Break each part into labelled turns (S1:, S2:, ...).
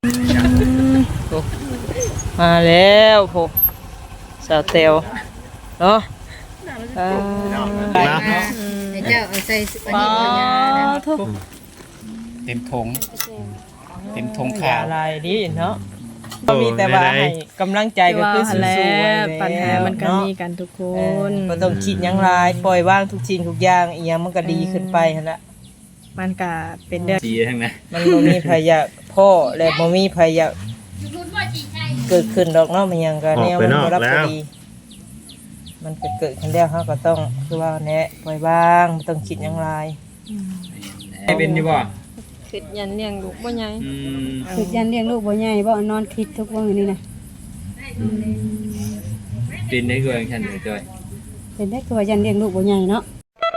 S1: มาแล้วโหสาวเตียวเนาะ
S2: เจ้าเอาใส่
S1: ปลาทุก
S3: เต็มทงขาว
S1: อะไรดีเนาะก็มีแต่ว่าให้กำลังใจก็คือสู้ๆ
S4: ปัญหามันก็มีกันทุกคน
S1: บ่ต้องคิดหยังหลายปล่อยวางทุกสิ่งทุกอย่างอีหยังมันก็ดีขึ้นไปหั่นละ
S4: มันก็เป็นเรื่อง
S3: ดีทั้งนั้น
S1: มันบ่มีพยาพ่อและบ่มีพยาเกิดขึ้นดอกเนาะมันยังก็แนวมันบ่รับก็ดีมันก็เกิดขึ้นแล้วเฮาก็ต้องคือว่าแนะปล่อยวางบ่ต้องคิดหยังหลาย
S3: ให้เป็นอยู่บ่
S4: คิดยันเลี้ยงลูกบ่ใหญ่
S2: คิดยันเลี้ยงลูกบ่ใหญ่บ่นอนคิดทุกวันนี้นะ
S3: เป็นได้ก็อย่างฉันเลยจ้อย
S2: เป็นได้ตัวยันเลี้ยงลูกบ่ใหญ่เนาะ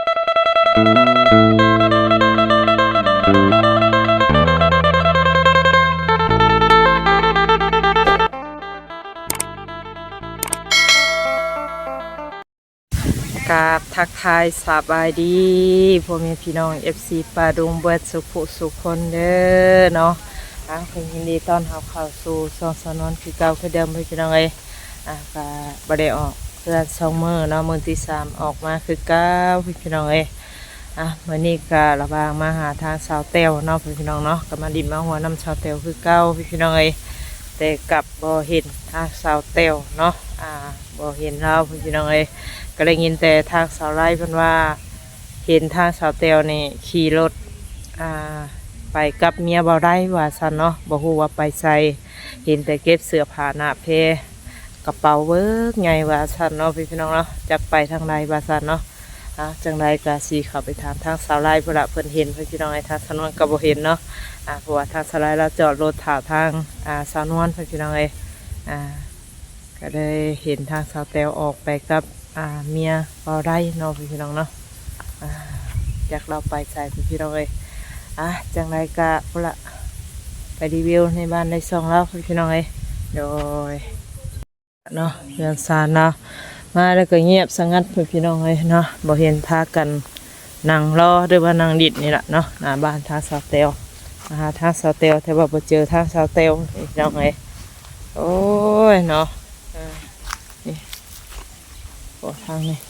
S1: กราบทักทายสบายดีพ่อแม่พี่น้อง FC ปาดุงเบิดสุคนเด้อเนาะเพิ่นยินดีต้อนรับเข้าสู่ช่องสนวนคือเก่าคือเดิมพี่น้องเอ้ยก็บ่ได้ออกเพื่อน2มื้อเนาะมื้อที่3ออกมาคือเก่าพี่น้องเอ้ยมื้อนี้ก็ระบางมาหาทางสาวแต้วเนาะพี่น้องเนาะก็มาดินมาหัวน้ำสาวแต้วคือเก่าพี่น้องเอ้ยแต่กลับบ่เห็นทางสาวแต้วเนาะบ่เห็นเราพี่น้องเอ้ยก็ได้ยินแต่ทางสาวไร่เพิ่นว่าเห็นทางสาวเตียวนี่ขี่รถไปกับเมียบ่ได้ว่าซั่นเนาะบ่ฮู้ว่าไปไสเห็นแต่เก็บเสื้อผ้าหน้าเพกระเป๋าเบิกใหญ่ว่าซั่นเนาะพี่น้องเนาะจักไปทางใดว่าซั่นเนาะจังไดก็สิเข้าไปถามทางสาวไร่พุ่นล่ะเพิ่นเห็นพี่น้องไอ้ทางสาวนวลก็บ่เห็นเนาะเพราะว่าทางสาวไร่เราจอดรถถ่าทางสาวนวลพี่น้องเอ้ก็ได้เห็นทางสาวเตียวออกไปกับเมียบ่ได้เนาะพี่น้องเนาะอยากเราไปใส่พี่น้องเลยจังไรกะพุ่นละไปรีวิวในบ้านในซองแล้วพี่น้องเลยโดยเนาะเรือนซานเนาะมาแล้วก็เงียบสงัดพี่น้องเลยเนาะบ่เห็นพากันนั่งรอหรือว่านั่งดิดนี่แหละเนาะหน้าบ้านทางสาวเตียวทางสาวเตียวแต่ว่าบ่เจอทางสาวเตียวพี่น้องเลยโอ้ยเนาะนี่โอ้ทางนี้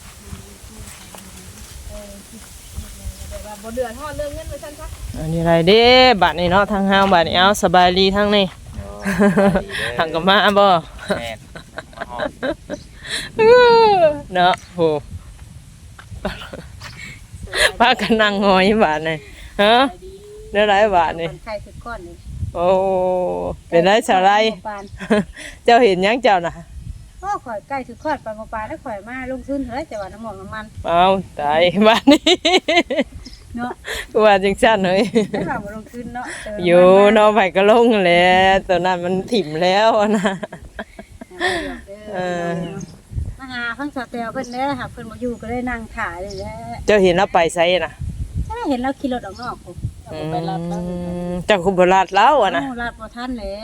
S4: บ่เดือดฮอดเรื่องเงินไว้ซั่นซะ
S1: อันนี้อะไรเด้บัดนี้เนาะทางห้างบัดนี้เอาสบายดีทางนี้ทางกับมาบ่เนาะโหพากันนั่งงอยบาดนี่ฮะเนื้อไรบาดนี่
S2: ไข่คือก้อนนี่
S1: โอ้เป็นไรสาวไรเจ้าเห็นยังเจ้าน่ะ
S2: ก็ข่อยใกล้ถือคอดปลาปลาแล้วข่อยมาลงทุนเฮ้ยแต่ว่าน้ำมัน
S1: เอาตายบ้านนี้
S2: เนาะ
S1: ว่าจังซั่นเฮ้ย
S2: ไม่ว่าลงทุนเนาะ
S1: อยู่เนาะไผก็ลงแล้วตอนนั้นมันถิ่มแล้วนะ
S2: มาหาเพิ่งสเตลเพิ่นเด้อค่ะเพิ่นบ่อยู่ก็เลยนั่งถ่ายเลยแหละ
S1: เจ้าเห็นแล้วไปไสน่ะ
S2: ถ้าเห็นเราขี่รถออกนอก
S1: ไปลาดเจ้าคุบ่ลาดแล้วอ่ะนะ
S2: ลาดบ่ทันแล้ว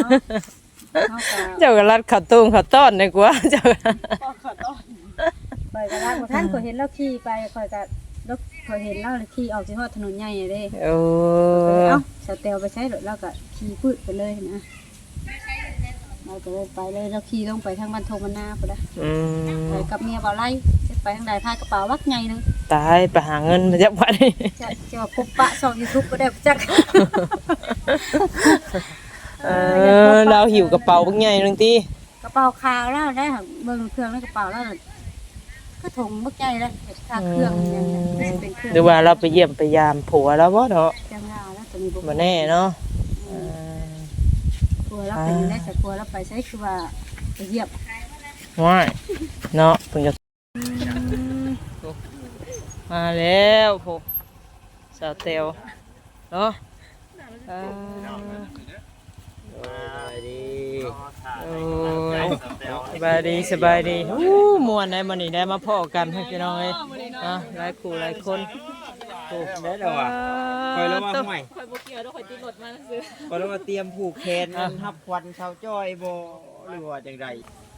S1: เจ้าก็ลาดข้าวต้มข้าวต้อนดีกว่าเจ้า
S2: ข้าวต้อนไปก็ลาดบ่ทันก็เห็นเราขี่ไปข่อยก็รถข่อยเห็นเราขี่ออกสิฮอดถนนใหญ่เด้
S1: โอ้
S2: สเตลไปใช้รถเราก็ขี่ปื้ดไปเลยนะเราก็เลยไปเลยเราขี่ลงไปทางบ้านทงมันนาพุ่นน่ะไปกับเมียบ่ไล่ไปทางใดพากระเป๋าวักใหญ่นึง
S1: ตายไปหาเงินมาจากวัดนี่
S2: จะพบปะช่อง YouTube ก็ได้จัก
S1: เราหิวกระเป๋าบักใหญ่นึงติ
S2: กระเป๋าขาวแล้วได้เบิ่งเครื่องในกระเป๋าแล้วก็ถุงบักใหญ่แล้วค่าเครื่องอย่างนี้เป็นเครื่อง
S1: หรือว่าเราไปเยี่ยมไปยามผัวแล้วบ่เนาะ
S2: จังว่าแล้วจะมี
S1: บ่แน่เนาะ
S2: ผัวเราเป็นได้แต่ผัวเราไปใช้คือว่าไปเยี่ยม
S1: ว้ายเนาะเพิ่นจะมาแล้วโหสาวเตียวเนาะสบายดีสบายดีมวนได้มานี่ได้มาพ่อกันให้พี่น้องเลยหลายคู่หลายคน
S3: ได้แล้วอ่ะคอยแล้วว่าใหม่
S4: คอยบ่เกี่ยวแล้วคอยติดรถมาซื่อ
S3: คอยแล้วว่าเตรียมผูกแขนทับควันชาวจ้อยบ่หรือว่าจังได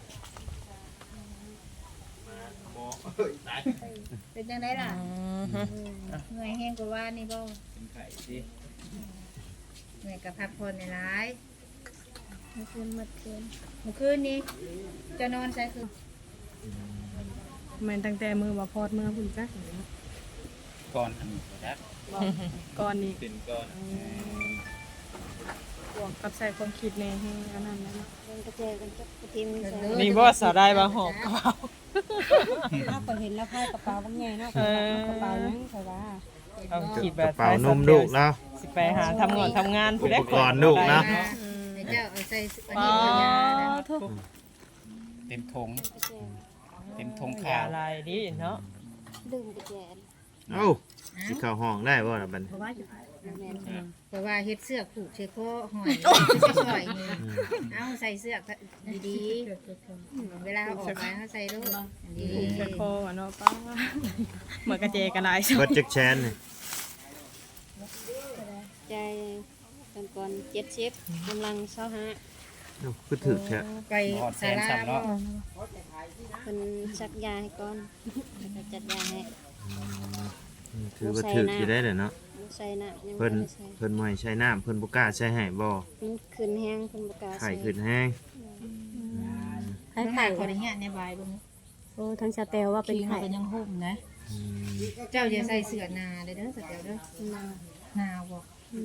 S2: เป็นจังไดล่ะเหนื่อยแห้งกว่าว่านี่บ่แม่ก็พักผ่อนหลาย
S4: เมื่อคืนมาคืน
S2: เมื่อคืนนี้จะนอนใช่คือ
S4: แม่นตั้งแต่มือบ่พอดมือพุ่นจัก
S3: ก่อนอันนี้ครับ
S4: ก่อนนี้
S3: เป็นก่อน
S4: บวกกับใส่ความคิดในให้อันนั้นนะ
S2: เป็นกระเจกันกับกระทิมใส่
S1: นี่บ่สาวได้บ่หอบกระเป๋า
S2: ถ้าก็เห็นแล้วพายกระเป๋าบางไงเนาะกระเป๋ายังใส่ว่า
S1: เอาคิดแบ
S5: ก
S1: บ
S5: ระเป๋านมลูกเนาะ
S1: สิไปหาทำงานผู้ใด
S5: อุปกรณ์ลูกนะ
S2: เจ้าเอาใส่อัน
S1: อ๋อ
S2: นี้ยา
S1: ทุก
S3: เต็มถุงเต็มถุง
S1: ยา
S3: ขาว
S1: ลายดีเนาะ
S2: ดื่มกระเจน
S5: เอ้าสิเข้าห้องได้บ่ล่ะบัดนี้
S2: แต่ว่าเฮ็ดเสื้อผูกเชโคหอยสวยๆนี่เอาใส่เสื้อดีๆเวลาออกไปเขาใส่ลูกดี
S4: เสื้อคออะเนาะป้าเหมือนกระเจกันหลาย
S5: เบิดจักแชนนี่
S2: ใจกันก่อน70กำลัง25
S5: เอ้าคือถึกแท้
S2: ไป
S3: หอดแส
S2: ศาน ลา
S3: ซ้ำเนาะ
S2: เพิ่นชักยาให้ก่อนแล้วก็จัดยาให้
S5: ถือว่าถึกอยู่ได้เนาะ
S2: ใส่น้ำยัง
S5: เพิ่น
S2: บ่ได้ใส่
S5: เพิ่นบ่ให้ใช้น้ำเพิ่นบ่กล้าใช้ให้บ่
S2: มันขึ้นแห้งเพิ่นบ่กล้า
S5: ไข้
S2: ใส่
S5: ขึ้นแห้ง
S2: ไข่ขอได้เงี้ยในบายบ่โอ้ทั้งสเตลว่าเป็นไข่ก็ยังห่มนะ
S5: อืม
S2: เจ้าอย่าใส่เสื้อนาเด้อสเตลเด้อนาบ่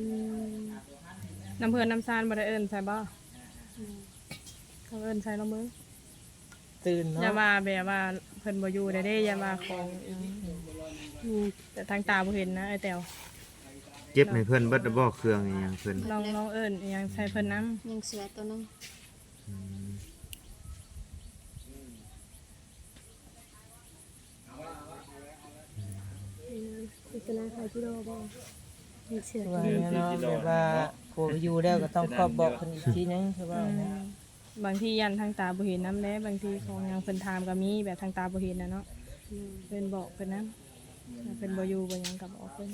S4: น้ำเพื่อนน้ำซานบ่ได้เอิ้นใส่บ่เขาเอิ้นใส่ลงมือ
S1: ตื่น
S4: อย่า
S1: เนาะ
S4: ว่าแบบว่าเพิ่นบ่อยู่ได้เด้อย่าว่าของอีหยังแต่ทางตาบ่เห็นนะไอ้แต๋ว
S5: เจ็บให้เพิ่นเบิดบ่เครื่องอีหยังเพิ่น
S4: ลองเอิ้นอีหยังใส่เพิ่นน้
S2: ยังเสือตัวนึง
S4: ำเป็นอะไรที่โดบ่
S2: ยังเสือ
S1: ว่าเนาะแบบว่าผู้อยู่แล้วก็ต้องครอบบอกเพิ่นอีกทีนึงคือว่านะ
S4: บางทียันทางตาบ่เห็นน้ำแล้บางทีของหยังเพิ่นถามก็มีแบบทางตาบ่เห็นนะเนาะเพิ่นบอกเพิ่นนํเพิ่นบ่อยู่บ่หยังก็บอกเพิ่น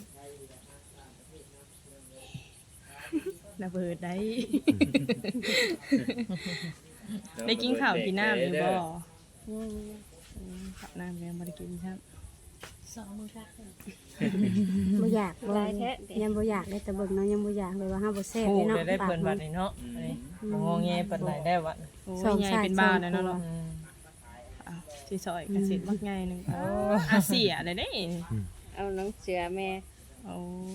S4: น่าเบิดได้ ได้กินข้าวกินน้ำอยู่บ่ข้าวน้ำยังบ่ได้กินครับ
S2: บ่อยากบ่ยังบ่อยากได้แต่เบิ่งเนาะยังบ่อยากเลยว่าห้าบ่แซ่บ
S1: ผู้
S2: เนาะ
S1: ได้เพิ่นบัดนี้เนาะอันนี้บ่งอแงปานใดได้วะ
S4: โอ้ยใหญ่เป็นบ้าแล้วเนาะ
S1: อืม
S4: สิซอยกระสิบักใหญ่นึงอาเสียได้เด้
S2: เอาน้องเสือแม่
S4: โอ้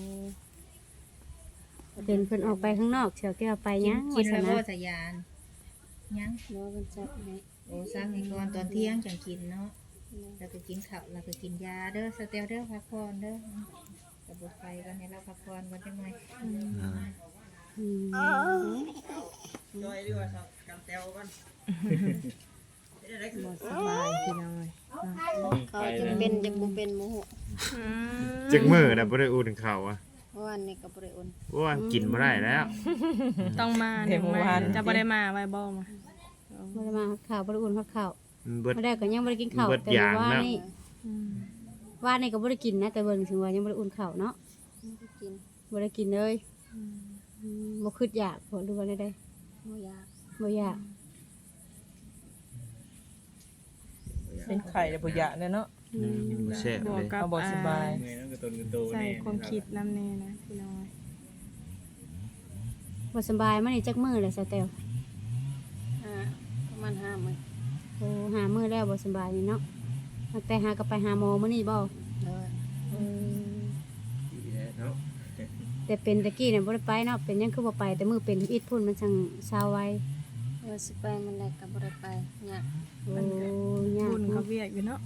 S2: เป็นเพิ่นออกไปข้างนอกเสือแก้วไปยังกินแล้วบ่สยานยังบ่เพิ่นซักให้โอ้ซักให้ก่อนตอนเที่ยงจังกินเนาะแล้วก็กินข้าวแล้วก็กินยาเด้อสเตลเด้อพักผ่อนเด้อก็บ่ไปกันให้เราพักผ่อนกันจังได๋
S3: จอยดีกว่าครับกำแตวก่อน
S4: บ่สบายพี่น้องเอ้ย
S2: เขาจะเป็นจะบ่เป็นโมโห
S5: จักมื้อน่ะบ่ได้อุ่นข้าวอ่ะ
S2: เพราะวันนี้ก็บ่ได้อุ่น
S5: ว่ากินบ่ได้แล้ว
S4: ต้องมาหนึ่งมาจะบ่ได้มาไว้บ่มา
S2: บ่ได้มาข้าวบ่ได้อุ่นข้าว
S5: มันเบิด
S2: บ่ได้ก็ยังบ่ได้กินข้าว
S5: เบิด
S2: แต่
S5: อย่าง
S2: ว่า
S5: แล้ว
S2: นี่ว่านี่ก็บ่ได้กินนะแต่เบิ่งถึงว่ายังบ่ได้อุ่นข้าวเนาะบ่ได้กินเลยบ่คิดอยากบ่รู้ว่าได้บ่อยากบ่อยาก
S1: เป็นไข่แล้วบ่อยากเนาะ
S5: บ่แซ่บบ
S4: ว
S5: เล
S4: ก
S5: ย
S4: กับ
S1: เอาบ่สบาย
S3: เงยนั่นก็ต้นกระโต
S4: ใส่
S3: นี่
S4: ความคิดน้ำแน่นะพี่น้อง
S2: บ่สบายมานี่จักมื้อแล้วซะแต้ว
S4: ประมาณ5มื้อ
S2: โอ้หามื้อแล้วบ่สบายนี่เนาะตั้งแต่หาก็ไปหาหมอมื้อนี้บ่แต่เป็นตะกี้เนี่ยบ่ได้ไปเนาะเป็นหยังคือบ่ไปแต่มื้อเป็นอิดพุ่นมันจังเศร้าไว้สิไปมันได้ก็บ่ได้ไปยากโอ้ยาก
S4: บุญเขา
S2: เนาะ
S4: เวียกอยู่เนาะ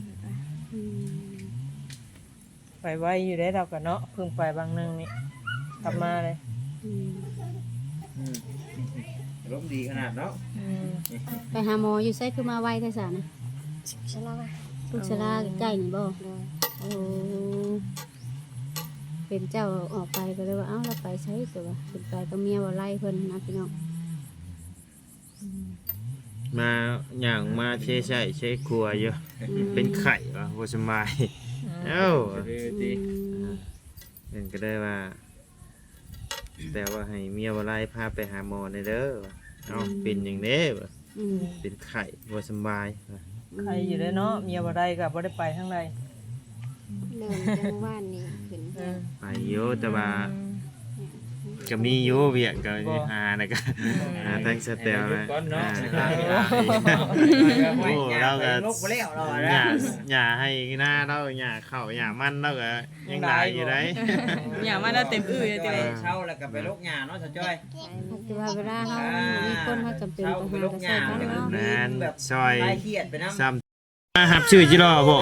S1: ไปไว้อยู่ได้เราก็เนาะเพิ่งไปบางนึงนี่กลับมาเลย
S3: ร่มดีขนาดเนาะ
S1: อืม
S2: ไปหาหมออยู่ไสคือมาไวแท้ซะนะชลาลูกชลาใกล้ๆนี่บ่โอ้เป็นเจ้าออกไปก็เลยว่าเอ้าเราไปใช้ตัวว่าเป็นไปก็เมียบ่ไล่เพิ่นนะพี่น้อง
S5: มาอย่างมาเช่ใช้เช่ครัวอยู่เป็นไข่ว่ะบ่สบายเอ้า
S3: ดี
S5: เพิ่นก็ได้ว่า แต่ว่าให้เมียบ่ไล่พาไปหาหมอในเด้อว่ะเอ้าเป็นหยังเด้ว่ะ
S2: อืม
S5: เป็นไข่บ่สบายว่ะ
S1: ใครอยู่ได้เนาะเมียบ่ได้ก็บ่ได้ไปทางใด
S2: เริ่มจังว่านนี่ขึ้น
S1: อืม
S5: ไปอยู่แต่ว่า
S1: อ
S5: ก็มีอยู่เวียกก็หาแล้วก็หาทั้งสเตลนะโอ้เราก็
S3: ลูกบ่แล้วเรา
S5: หญ้าให้หน้าเราหญ้าเข้าหญ้ามันเราก็ยังได้อยู่ได้
S4: อย่ามาแล้วเต็มอื้อเลยเจ้า
S3: เช่าแล้วก็ไปลูกหญ้าเนาะสาวจ้อย
S2: แต่ว่าเวลาเฮามีคนเฮาจำเป็นต้องหาก็ใช้กันเนาะ
S5: นั่นซอย
S3: คลายเครียดไปนำ
S5: ซ้ำมาหับชื่อจิรอบ่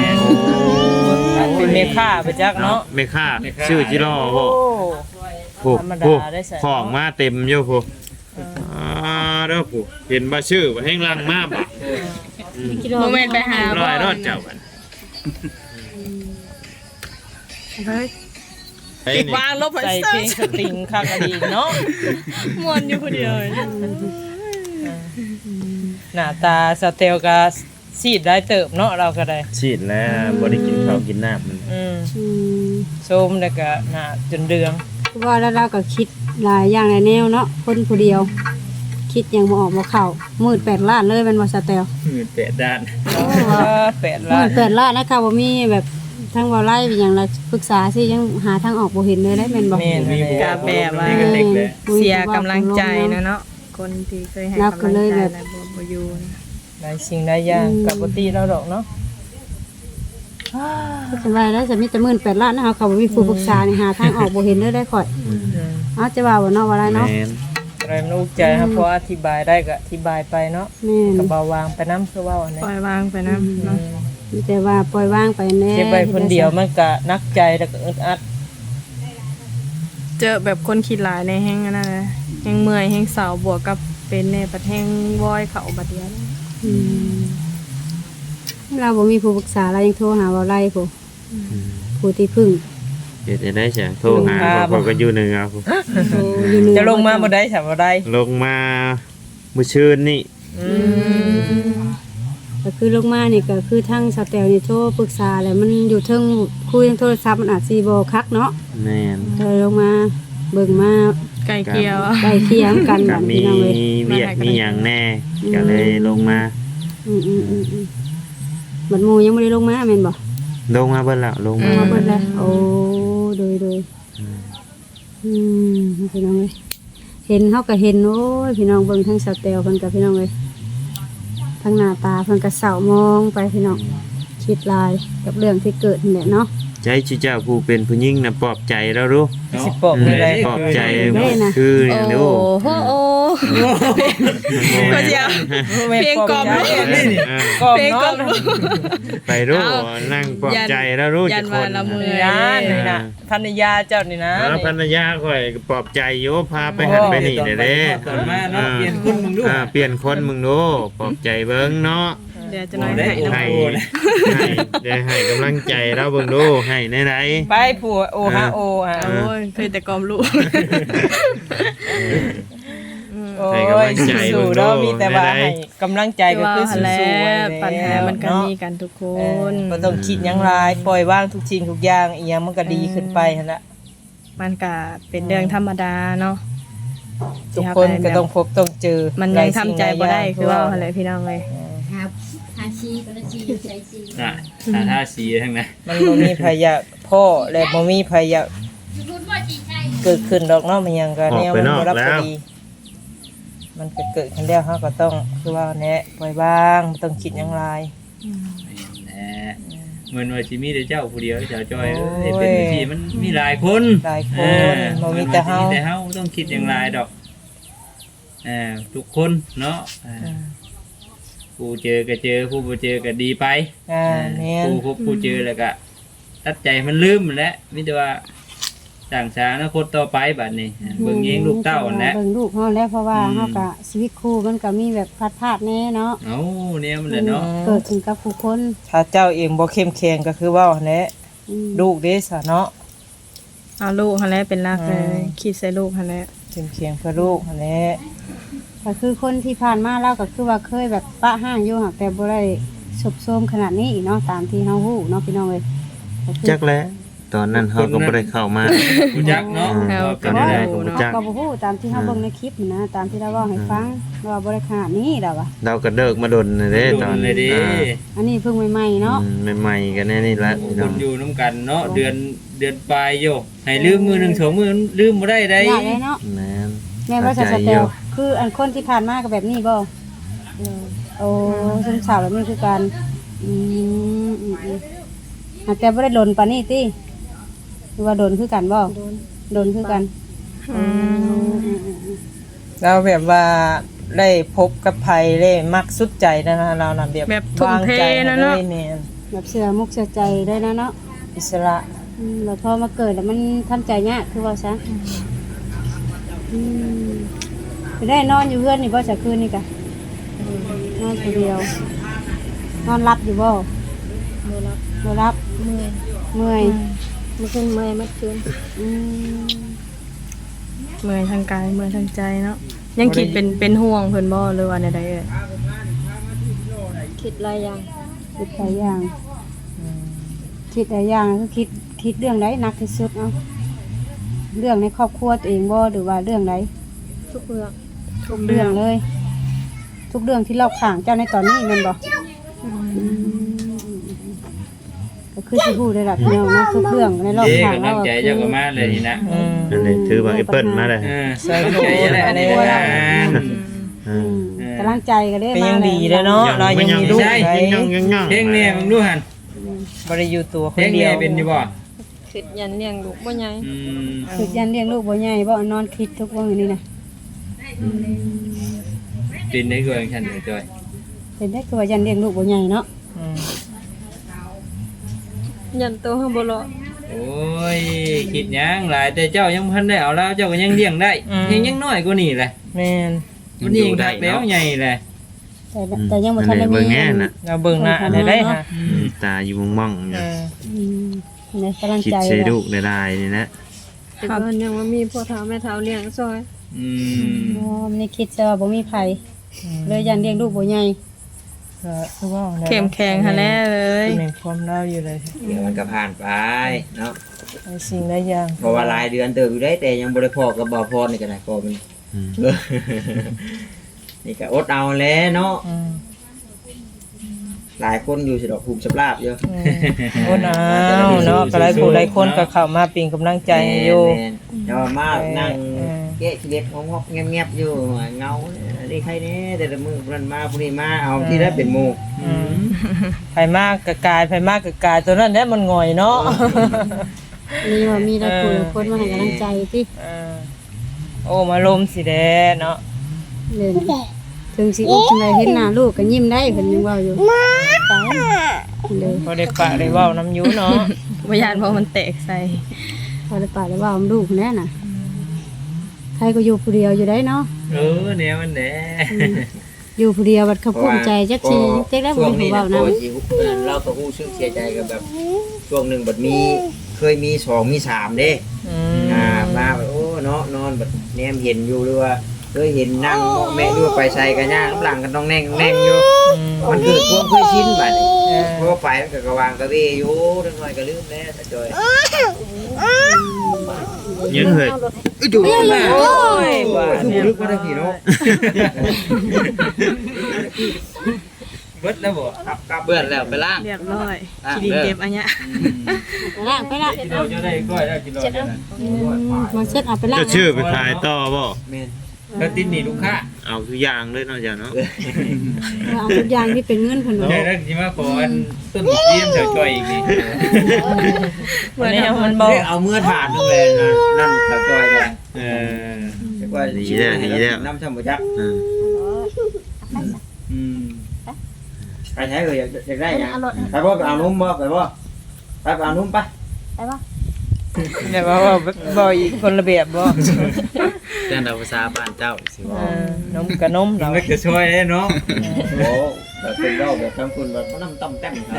S1: เป็นเมค่าไปจักเนาะ
S5: เมค่าชื่อจิรอบ่
S1: โอ้
S5: ผู้
S1: ธรรมดา
S5: ผู้
S1: ได้ใส่
S5: ของมาเต็มอยู่ผู้เด้อผู้เห็นบ่ชื่อบ่แห้งลังมาบ่
S4: โมเมนต์ไปหา
S5: ร้อยรอดเจ้ากัน
S4: เฮ้ย
S5: ไอ้นี่
S4: วางลบ
S1: ใส่เพลงสตริงคักอดีเนาะ
S4: มวนอยู่คนเดียว
S1: หน้าตาสเตลก็ซีดได้เติบเนาะเราก็ได้
S5: ฉีดแล้วบ่ได้กินข้าวกินน้ำมัน
S2: อืม
S1: ส้มแล้วก็หน้าจนเดือง
S2: ว่าแล้วเราก็คิดหลายอย่างหลายแนวเนาะคนผู้เดียว คิดยังบ่ออกบ่เข้ามืด8ล้านเลยแมันบ่สแตล
S5: 8ด้าน
S1: แปด
S2: มื
S1: ล้าน
S2: ด8ล้านนะคะบ่มีแบบทั้งบ่ไล่เป็นหยังละปรึกษาสิยังหาทางออกบ่เห็นเลยได้แม่นบ่
S1: แม่น
S4: กาแบบว่า เสียกำลังใจนะเนาะคนที่เคยให้กำลังใจแล้วบ่อยู่นะ
S1: ได้สิ่งได้อย่างกับปกติเราดอกเนาะ
S2: สบายแล้วจะมีแต่มื่น8ล้านนะคะเขาบ่มีผู้ปรึกษานี่หาทางออกบ่เห็นเลยได้ข่อยเอาจะว่าบ่เนาะว่าไรเนาะ
S5: แม่น
S1: อะไรมันอุกใจครับเพราะอธิบายได้ก็อธิบายไปเนาะ
S2: แม่น
S1: ก็เบาวางไปน้ำคือว่าอันนี้
S4: ปล่อยวางไปนะเนาะ
S2: มีแต่ว่าปล่อยวางไปแน่
S1: เก็บไว้คนเดียวมันก็นักใจแล้วก็อึดอัด
S4: เจอแบบคนคิดหลายในแห้งอันนั้นนะแห้งเมื่อยแห้งเสาบวกกับเป็นในประแห้งวอยเขาบัดเดียวนะ
S2: อืมเราบ่มีผู้ปรึกษาเรายังโทรหาว่าไรผู้ที่พึ่ง
S5: เดี๋ยวจะได้เสียโทรหาบอกกันอยู่หนึ่งเอาผู้
S2: โทรอยู่เหนือ
S1: จะลงมาบ่ได้ฉันบ่ได้
S5: ลงมามื้อชื่นนี่
S2: ก็คือลงมานี่ก็คือทั้งสแตลนี่โทรปรึกษาแล้วมันอยู่เทิงคุยทางโทรศัพท์มันอาจสิบ่คักเนาะ
S5: แม่น
S2: เลยลงมาเบิ่งมา
S4: ไก่เกลียวอะ
S2: ใกล้เคียงกัน
S5: ก็
S2: บัด
S5: มี
S2: นี้น้องเว้ย
S5: เวียกมีหยังแน่ก็เลยลงมา
S2: บัดหมู่ยังบ่ได้ลงมาแม่นบ่
S5: ลงมาเบิ่แล้วลงมา
S2: มาเบิ่งแล้วโอ้โดยพี่น้องเอ้ยเห็นเฮาก็เห็นโอ้ยพี่น้องเบิ่งทั้งสแตลเพิ่นกับพี่น้องเอ้ยทั้งหน้าตาเพิ่นก็เศร้ามองไปพี่น้องคิดหลายกับเรื่องที่เกิดนี่แหละเนาะ
S5: ใจชิเจ้าผู้เป็นผู้หญิงน่ะปลอบใจแล้วรู้
S1: สิปอบไม่ได้
S5: ปลอบใจคือเนี่ยดู
S4: โอ้โหก็เดียว เพลงกล่อมลูก
S1: กล่อม
S4: เพลงกล่อม
S1: เนาะ
S5: ไปรู้นั่งปลอบใจแล้วรู้
S4: ยั
S5: จะ
S4: น
S5: ค
S4: ว่าน ละมือ
S1: นี่นะนี่นะภรรยาเจ้านี่นะ
S5: แล้วภรรยาข่อยก็ปลอบใจอยู่พาไปหันไปนี่เด้เด้
S3: ตอนมาเนาะเปลี่ยนคนมึงดู
S5: เปลี่ยนคนมึงดูปลอบใจเบิ่งเนาะ
S4: เดี๋ยวจะน้อยให้น้ำ
S5: ให้ได้ให้กำลังใจเราเบิ่งดูให้ในไหน
S1: ไปผัวโอฮะโอฮะ
S4: โอ้ยเคยแต่กล่อมลูก
S1: โอ้
S5: ให้กำลั
S1: ย
S5: งใจ
S1: สู้
S5: เบิ่ง
S1: ๆ
S5: ดู
S1: เนาะมีแต่ว่า
S5: ได้
S1: ให้กำลังใจก็คือ
S4: ว่า
S1: สู้
S4: แล้
S1: ๆไว้
S4: ว
S1: แล้ว
S4: ปัญหามันก็มีกันทุกค
S1: เออน บ่ต้องคิดหยังหลายปล่อยว่างทุกสิ่งทุกอย่างอีหยังมันก็ดีขึ้นไปหั่นละ
S4: มันก็เป็นเรื่องธรรมดาเนาะ
S1: ทุกคนก็ต้องพบต้องเจอ
S4: มันยังทำใจบ่ได้คือว่าอะไรพี่น้องเลย
S2: ครับหาชีก็ละชีใช้ชี
S3: ท่าสีทั้งนั้น
S1: มันบ่มีพยะพ่อและบ่มีพยะเกิดขึ้นดอกเนาะมันยังก็แนวมันบ่รับพอดีมันก็เกิดขึ้นแล้วเฮาก็ต้องคือว่าแนะปล่อยว่างบ่ต้องคิดหยังหลาย
S3: เหมือนว่าสิมีแต่เจ้าผู้เดียวเจ้าจอยเป็นที่มันมีหลายคน
S1: หลายคนบ่มีแต่เฮา
S3: แต่เฮาต้องคิดอย่างไรดอกทุกคนเนาะผู้เจอก็เจอผู้บ่เจอก็ดีไป
S1: แม่น
S3: ผู้พบผู้เจอแล้วก็ตัดใจมันลืมแล้วมีแต่ว่าต่างชาติอนาคตต่อไปบัดนี้เบิ่งเองลูกเต้านั่นแหละ
S2: เบิ่งลูกเฮาแล้วเพราะว่าเฮาก็ชีวิตคู่มันก็มีแบบพลาดๆแน่เนาะ
S3: เอาเนี่ยมันแหละเนาะ
S2: เกิดขึ้นกับผู้คน
S1: ถ้าเจ้าเองบ่เข้มแข็งก็คือเว้าหั่นแหละ
S2: อืม
S1: ลูกเด้ซะเนาะ
S4: เอาลูกหันแหล้วเป็นหลักเลยคิดใส่ลูกหันแหล้ว
S1: เข้มแข็งเพื่อลูกหั่นแหละ
S2: ก็คือคนที่ผ่านมาเราก็คือว่าเคยแบบปะห้างอยู่หักแต่บ่ได้สุบโทรมขนาดนี้อีกเนาะตามที่เฮาฮู้เนาะพี่น้องเอ้ยก็คือ
S5: จักแล้วตอนนั้นเฮาก็บ่ได้เข้ามา
S3: รู้จักเนาะ
S4: เอา
S3: ว่า
S4: เป็
S3: เป็น น
S4: อะ
S3: อะไร ไร
S5: ผมรู้จัก
S2: ก็บ่ฮู้ตามที่เฮาเบิ่งในคลิปนะตามที่เราเว้าให้ฟังว่าบ่ได้ขนาดนี้ดอกว่ะ
S5: เราก็เดิกมาดนน่ะเด้ตอน
S3: เลยดิ
S2: อันนี้เพิ่งใหม่ๆเนาะ
S5: ใหม่ๆกันแน่นี่ละพี่
S3: ค
S5: น้อง
S3: นอยู่น้ำกันเนาะเดือนปลายโยให้ลืมมือหนึ่งสองมือลืมบ่ได้ได้
S2: ยากเลยเนาะ
S5: แม่น
S2: แม่ว่าจะสเตลคืออันคนที่ผ่านมาก็แบบนี้บ่โอ้ซึมเศร้าแบบนี้คือกันแต่บ่ได้โดนปานนี้ติหรือว่าโดนคือกันบ่โดนคือกัน
S1: เราแบบว่าได้พบกับไผได้มักสุดใจนะเรานำแบบวางใจให้เลยแม่น
S2: แบบเสือมุกเสือใจได้นะเนาะ
S1: อิสระ
S2: แล้วพอมาเกิดแล้วมันทำใจยากคือว่าซะไปได้นอนอยู่เพื่อนนี่บ่จะคืนนี่กะนอนคนเดียวนอนรับอยู่บ่บ่รับเมื่อยเมื่อคืนเมื่อยเมื่อคืน
S4: เมื่อยทางกายเมื่อยทางใจเนาะยังคิดเป็นห่วงเพิ่นบ่หรือว่าใดๆเอ่ย
S2: คิดหลายอย่างคิดหลายอย่างคิดหลายอย่างคือคิดเรื่องใดหนักที่สุดเอาเรื่องในครอบครัวตัวเองบ่หรือว่าเรื่องใด
S4: ทุกเรื่อง
S2: ทุกเรื่องเลย ทุกเรื่องที่เราข่างเจ้าในตอนนี้แมันบ่ก็คือสิฮู้ได้ล่ะพี่น้องนะทุกเรื่องในรอบ
S3: เด็ก
S2: ข้าง
S3: กำ
S2: เรา
S3: ลังใจเจ้าก็มาเลยนี่นะ
S5: นั่นแหละถือว่าแอปเปิ้ลมาเลย
S1: ใส่โดนอะไร
S2: กำลังใจก็ได้
S1: เป็น
S2: มา
S1: ยังดีแล้วเนาะเรายังมีลูกไว้
S3: เพลงเนี่ยมึงดูหัน
S1: บ่ได้อยู่ตัวค
S3: เพล
S1: น
S3: ง
S1: เดี
S3: เนี่ย
S1: วย
S3: เป็นอยู่บ่
S4: คิดยันเลี้ยงลูกบ่ใหญ่
S2: คือยันเลี้ยงลูกบ่ใหญ่บ่นอนคิดทุกวันนี้นะ
S3: เป็นได้ก็อย่างฉันเลยจอย
S2: เป็นได้คือว่ายันเลี้ยงลูกบ่ใหญ่เนาะ
S4: ยันโตเฮาบ่รอ
S3: โอ้ยคิดยังหลายแต่เจ้ายังพันได้เอาแล้วเจ้าก็ยังเลี้ยงได้ยังน้อยกว่านี่แหละ
S1: แม่น
S3: มันยิงทักแล้วใหญ่เลย
S2: แต่ยังบ่ทันได้
S5: เบิ่
S2: มี
S5: งแน่น่ะ
S1: เราเบิ่งหน้าได้ฮะ
S5: ตาอยู่มองๆอยู่
S2: ในกำลัง
S5: คิด
S2: ใจ
S5: ใส่ลูกได้นี่นะ
S4: แต่เพิ่นยังว่ามีพ่อเฒ่าแม่เฒ่าเลี้ยงซอย
S2: บ่มีคิดซะว่าบ่มีไผเลยยันเลี้ยงลูกบ่ใหญ่
S1: ก็คือว่า
S4: เข้มแข็งหั่นแหละเลย
S1: แม่นความเราอยู่เลย
S6: เดี๋ยวมันก็ผ่านไปเนาะ
S1: ไอ้สิ่งหลายอย่าง
S6: เพราะว่าหลายเดือนเติบอยู่ได้แต่ยังบ่ได้พอกับบ่พอนี่ก็ได้พอมันนี่ก็อดเอาแหล้วเนาะหลายคนอยู่สิดอกภูมิสำราบอยู่
S1: โอ้น้าวเนาะก็หลายผู้หลายคนก็เข้ามาเป็นกำลังใจให้อยู่
S6: แม่นๆแต่ว่ามานั่งแกะชีวิตงอกๆเงียบๆอยู่เงานี่ใครแน่แต่ละมื้อเพิ่นมาผู้นี้มาเอาที่ได้เป็นหมู่
S1: ไผมากกะกายไผมากกะกายตัวนั้นแหละมันง่อยเนาะ
S2: มีว่ามีหลายผู้หลายคนมาให้กำลังใจติ
S1: โอ้มาลมสิแดเนาะ
S2: เลยถึงสิอุบจังไดเห็นหน้าลูกก็ยิ้มได้เพิ่นยังเว้าอยู่ตายเลย
S1: พอได้ปะได้เว้าน้ำอยูเนาะ
S4: บ่ยานเพราะมันแตกใส่
S2: พอได้ป่าแล้วเว้าลูกแน่น่ะใครก็อยู่ผู้เดียวอยู่ได้เนาะ
S3: แนวมันแหละ
S2: อยู่ผู้เดียวบัดเขาภูมิใจจักทีจักได้บ่
S6: ช่วง
S2: มี
S6: นี้
S2: ผู้
S6: นะ
S2: เว้า
S6: โอ้
S2: นำ
S6: ยสิเราก็ฮู้สึกเสียใจกับแบบช่วงหนึงบัดมีเคยมี2มี3เด้ มาแบบโอ้เนาะนอนแบบแนมเห็นอยู่หรือว่าเคยเห็นนั่งแม่ดูไปใส่กันย่างหลังกันต้องแน่งแน่งอยู่มันเกิดความเคยชินบัดนี้เพราะว่าไปมันก็กระวางกระเวอยู่จังหน่อยก็ลืมแล้วแต่จอย
S5: ยังเฮ้ย
S6: จู่มา
S1: โอ้ยบ้า
S6: ถูกลึกมาได้พี่เนาะ
S3: เบิดแล้วบ่
S6: ครับเบื่อแล้วไปล่าง
S4: เรียบร้อยคิดินเก็บอันเนี้ย
S2: ไปละไปละ
S3: กิโลจะได้ก้อยได้กิโลจะได้
S2: มาเช็ดเอาไปละ
S5: จะชื่อไปขายต่อบ่
S6: แม่น
S3: แล้วติดหนี่ลูกค้า
S5: เอาทุกอย่างเลยเนาะจ้ะเนาะ
S2: เอาทุกอย่างที่เป็นเงินเพิ่น
S3: ใช่
S2: ว่า
S3: แล้วสิมาขออันต้นเยี่ยมเฉยจ่อยอีกนี่
S1: วันนี้มันบอก
S6: เอาเมื่อถาดนึงเลยนะนั่นแต่จอยกัน
S3: เออ
S6: เรียกว่าน้ำชาบูจักใครใช้เลยอยากได้ยังไปบ่ไปเอานุ่มบ่ไปบ่ไปเอานุ่มไป
S1: เนี่ยว่าบ่อีกคนละแบบบ่
S6: เรื่องภาษาบ้านเจ้าสิบ่
S1: นมกับนม
S3: มั
S1: เรา
S3: นก็จะช่วยเนาะ
S6: โอ้แบบเป็นเล่าแบบทำคุณแบบน้ำต้มแต้มครับ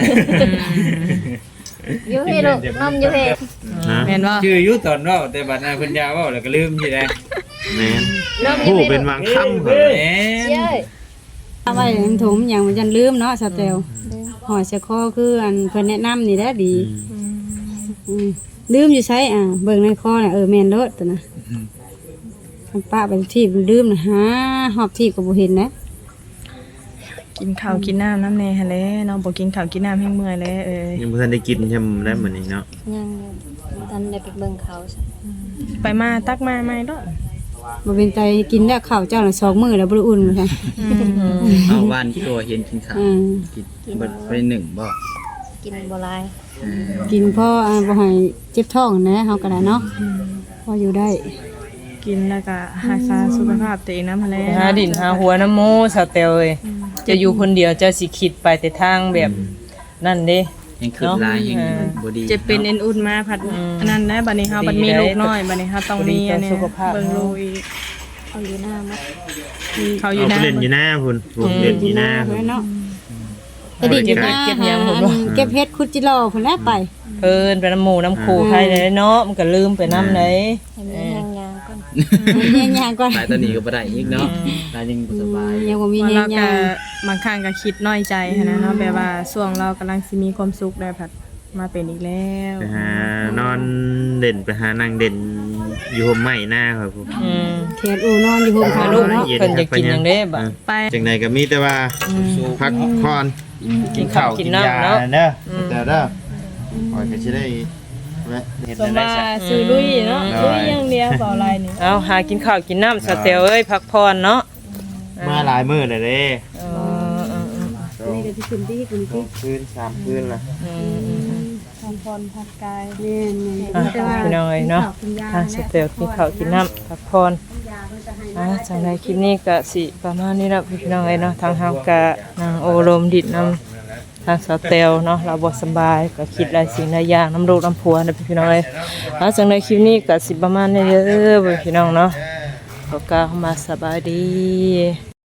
S2: อยู่พี่ลูกนมอยู่พี่
S5: ฮะ
S4: แม่นบ่
S3: ชื่ออยู่ตอนเว้าแต่บัดนั้นเพิ่นยาเว้าแล้วก็ลืมสิได้
S5: แม่นผู้เป็นบางคำเหรอ
S3: แหม
S2: เอาไว้ในถุงอย่างมันจันลืมเนาะสเตลหอยเสคอคืออันเพิ่นแนะนำนี่แหละดีลืมอยู่ใช้เบิ่งในคอน่ะแม่นเด้อตัวน่ะคันป้าไปที่ลืมน่ะหาหอบที่ก็บ่เห็นนะ
S4: กินข้าวกินน้ำน้ำแน่หั่นแหละเนาะบ่กินข้าวกินน้ำแห้งเมื่อยแล้ว
S5: ยังบ่ทันได้กินใช่มั้ยได้มื้อนี้เนาะ
S7: ยังตอนได้ไปเบิ่งเขาซะ
S4: ไปมาตักมาใหม่เด้อ
S2: บ่เป็นใจกินแล้วข้าวเจ้าน่ะ2มื้อแล้วบ่ได้อุ่นว่าซั่น
S3: เอาบ้านตัวเห็นกินข้าว
S2: อืม
S3: เบิดไปหนึ่งบ่
S7: กินบ่หลาย
S2: กินพอบ่ให้เจ็บท้องนะเฮาก็ได้เนาะพออยู่ได้
S4: กินแล้วก็รักษาสุขภาพตัวเองนำหั่นแหละ
S1: หาดินหาหัวน้ำโมสาวเตลเอ้ยจะอยู่คนเดียวเจะสิคิดไปแต่ทางแบบนั่นเด้
S3: ยังขึ้นลายยังบ่ดี
S4: เจ็บเป็นเอ็นอุ่นมาผัดอันนั้นนะบัดนี้เฮาบัดมีลูกน้อยบัดนี้เฮาต้องมีอันนี้เบิ่งลูกอีก
S7: เอาอยู่หน้ามัด
S4: เขาอ
S5: เอา
S4: ยู่
S5: ไป
S4: นะ
S5: เล่นอยู่หน้าพุ่นผมเล่นอยู่หน้าพุ่น
S2: เนาะไปดินอยู่หน้าเก็บเฮ็ดคุดจิโร่พุ่นแหละไป
S1: เพิ่นไปน้ำหมูน้ำคูใครเลยเนาะมันก็ลืมไปน้ำไหน
S7: ให้มีแรงยางก่อน
S2: เฮียยางก่อน
S3: ตายตอนนี้ก็บ่ได้อีกเนาะตายยังบ่สบาย
S2: ยังบ่มี
S4: ว่า
S2: เฮีย
S4: เราก็
S2: ยาง
S4: บางครั้งก็คิดน้อยใจหั้นนะเนาะแบบว่าช่วงเรากำลังสิมีความสุขได้ผัดมาเป็นอีกแล้ว
S5: ไปหานอนเด่นไปหานั่งเด่นอยู่ห่มไม้หน้าครับผม
S2: แขนอูนอนอยู่ห่ม
S1: หา
S2: ขาว
S1: ลูก
S2: เนาะ
S1: เพิ่นจะกินหยังเด้บ่
S4: ไป
S5: จังใดก็มีแต่ว่าพักผ่อน
S1: กินข้าวกินน้ำเนาะ
S5: เด้อแต่เด้อปล่อยก็สิได้แวะเฮ็ด
S4: สม
S5: ได้
S4: ว่า
S5: ซะ
S4: ซื้อลุยเนาะลุยอย่างเดียวเปล่าอะไรนี่
S1: เอาหากินข้าวกินน้ำสาวเตลเอ้ยพักผ่อนเนาะ
S5: มาหลายมื้อแล้วเด้
S1: เออ
S2: นี่ก็สิขึ้นที่ขึ้น
S5: สอ
S2: ที่
S5: งคืน3คืนละ
S4: ทำพรพัดกาย
S2: แม่น
S1: พี่น้องเอ้ยเนาะทางสาวเตลกินข้าวกินน้ำพักผ่อนจังไดคลิปนี้ก็สิประมาณนี้ละพี่น้องเอ้ยเนาะทางเฮาก็นางโอลมดิดน้ำทางสาวเตลเนาะเราบ่สบายก็คิดหลายสิ่งหลายอย่างน้ำลูกน้ำผัวนะพี่น้องเอ้ยจังไดคลิปนี้ก็สิประมาณนี้เด้อพี่น้องเนาะก็กล่าวมาสบายดี